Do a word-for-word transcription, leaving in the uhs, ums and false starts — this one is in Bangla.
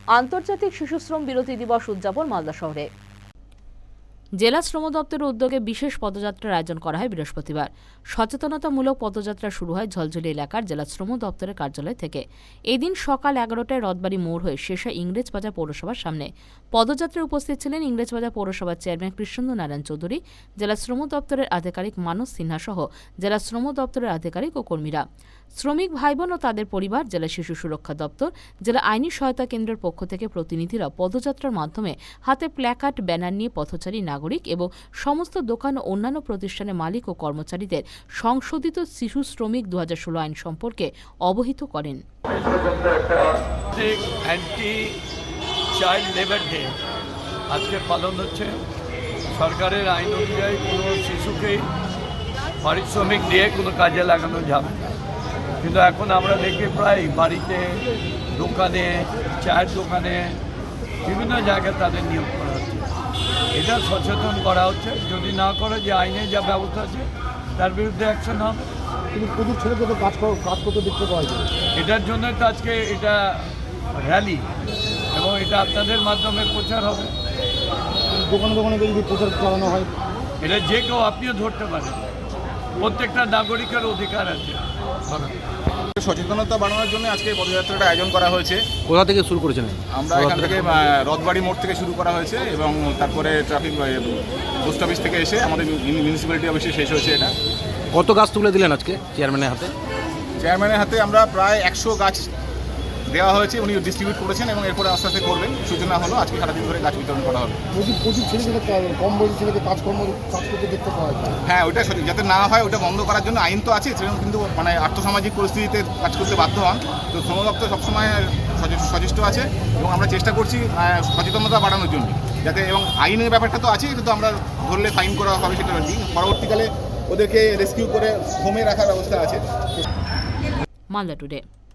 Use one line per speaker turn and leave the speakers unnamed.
আন্তর্জাতিক শিশুশ্রম বিরতি দিবস উদযাপন মালদা শহরে। জেলা শ্রম দপ্তরের উদ্যোগে বিশেষ পদযাত্রার আয়োজন করা হয় বৃহস্পতিবার। সচেতনতামূলক পদযাত্রা শুরু হয় ঝলঝলি এলাকার জেলা শ্রম দপ্তরের কার্যালয় থেকে। এদিন সকাল এগারোটায় রথবাড়ি মোড় হয়ে শেষ হয় ইংরেজবাজার পৌরসভার সামনে। পদযাত্রায় উপস্থিত ছিলেন ইংরেজবাজার পৌরসভার চেয়ারম্যান কৃষ্ণেন্দু নারায়ণ চৌধুরী, জেলা শ্রম দপ্তরের আধিকারিক মানস সিনহা সহ জেলা শ্রম দপ্তরের আধিকারিক ও কর্মীরা। শ্রমিক ভাইবোন ও তাদের পরিবার, জেলা শিশু সুরক্ষা দপ্তর, জেলা আইনি সহায়তা কেন্দ্রের পক্ষ থেকে প্রতিনিধিরা পদযাত্রার মাধ্যমে হাতে প্ল্যাকার্ড, ব্যানার নিয়ে পথচারী নাগরিক এবং সমস্ত দোকান ও অন্যান্য প্রতিষ্ঠানের মালিক ও কর্মচারীদের সংশোধিত শিশু শ্রমিক দু হাজার ষোলো আইন সম্পর্কে অবহিত করেন।
অ্যান্টি চাইল্ড লেবার ডে আজকে পালন হচ্ছে। সরকারের আইন অনুযায়ী কোনো শিশুকেই পারিশ্রমিক দিয়ে কোনো কাজে লাগানো যাবে না, কিন্তু এখন আমরা দেখি প্রায় বাড়িতে, দোকানে, চায়ের দোকানে, বিভিন্ন জায়গায় তাদের নিয়োগ করা হচ্ছে। এটা সচেতন করা হচ্ছে, যদি না করে যে আইনে যা ব্যবস্থা আছে তার বিরুদ্ধে অ্যাকশন হবে।
কিন্তু প্রচুর ছেলেকে তো কাজ কাজ করতে দেখতে পাওয়া যায়।
এটার জন্য তো আজকে এটা র্যালি এবং এটা আপনাদের মাধ্যমে প্রচার হবে।
দোকানে দোকানে যদি প্রচার চালানো হয়,
এটা যে কেউ আপনিও ধরতে পারেন। প্রত্যেকটা নাগরিকের অধিকার আছে।
সচেতনতা বাড়ানোর জন্য আজকে পদযাত্রাটা আয়োজন করা হয়েছে।
কোথা থেকে শুরু করেছেন?
আমরা এখান থেকে রথবাড়ি মোড় থেকে শুরু করা হয়েছে এবং তারপরে ট্রাফিক পোস্ট অফিস থেকে এসে আমাদের মিউনিসিপ্যালিটি অফিসে শেষ হয়েছে। এটা
কত গাছ তুলে দিলেন আজকে চেয়ারম্যানের হাতে?
চেয়ারম্যানের হাতে আমরা প্রায় একশো গাছ দেওয়া হয়েছে, উনি ডিস্ট্রিবিউট করেছেন এবং এরপরে আস্তে আস্তে করবেন। সূচনা হলো, আজকে সারাদিন ধরে গাছ বিতরণ করা হবে।
প্রচুর প্রচুর ছেলেকে কম বয়সী ছেলেকে কাজকর্ম কাজ করতে দেখতে পাওয়া যায়।
হ্যাঁ, ওইটা যাতে না হয় ওটা বন্ধ করার জন্য আইন তো আছে, সেরকম কিন্তু মানে আর্থসামাজিক পরিস্থিতিতে কাজ করতে বাধ্য হন। তো শ্রম দপ্তর সবসময় সচেষ্ট আছে এবং আমরা চেষ্টা করছি সচেতনতা বাড়ানোর জন্য, যাতে এবং আইনের ব্যাপারটা তো আছে, কিন্তু আমরা ধরলে ফাইন করা হবে সেটা ঠিক। পরবর্তীকালে ওদেরকে রেস্কিউ করে হোমে রাখার ব্যবস্থা আছে।
মালদা টুডে।